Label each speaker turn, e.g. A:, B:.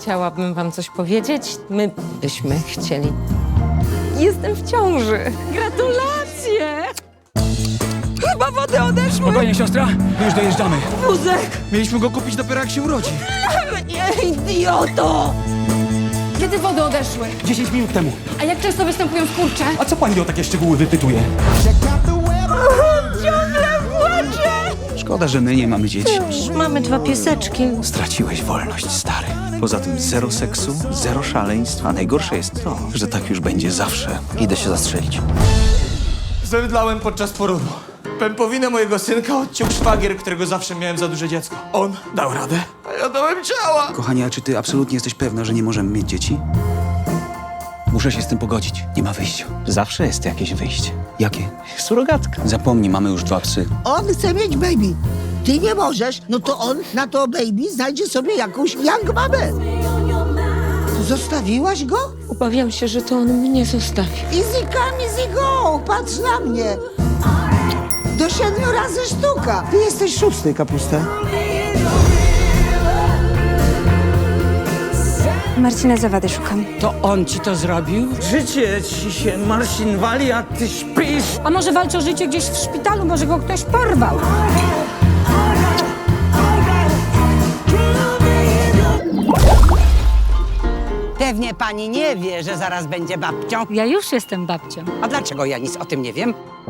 A: Chciałabym wam coś powiedzieć. My byśmy chcieli. Jestem w ciąży. Gratulacje! Chyba wody odeszły.
B: Spokojnie, siostra, my już dojeżdżamy.
A: Wózek!
B: Mieliśmy go kupić dopiero jak się urodzi.
A: Nie, idioto!
C: Kiedy wody odeszły?
B: 10 minut temu.
C: A jak często występują skurcze?
B: A co pani o takie szczegóły wypytuje?
A: Ciągle płaczę!
B: Szkoda, że my nie mamy dzieci.
A: Mamy 2 pieseczki.
B: Straciłeś wolność, stary. Poza tym zero seksu, zero szaleństw, a najgorsze jest to, że tak już będzie zawsze. Idę się zastrzelić.
D: Zemdlałem podczas porodu. Pępowinę mojego synka odciął szwagier, którego zawsze miałem za duże dziecko. On dał radę, a ja dałem ciała.
B: Kochanie, a czy ty absolutnie jesteś pewna, że nie możemy mieć dzieci? Muszę się z tym pogodzić. Nie ma wyjścia. Zawsze jest jakieś wyjście. Jakie? Surogatka. Zapomnij, mamy już 2 psy.
E: On chce mieć baby. Ty nie możesz, no to on na to baby znajdzie sobie jakąś young mamę. Zostawiłaś go?
A: Obawiam się, że to on mnie zostawi.
E: Easy come, easy go. Patrz na mnie. Do 7 razy sztuka. Ty jesteś 6, kapusta.
F: Marcina Zawady szukam.
G: To on ci to zrobił? Życie ci się, Marcin, wali, a ty śpisz.
C: A może walczy o życie gdzieś w szpitalu? Może go ktoś porwał?
H: Pewnie pani nie wie, że zaraz będzie babcią.
C: Ja już jestem babcią.
H: A dlaczego ja nic o tym nie wiem?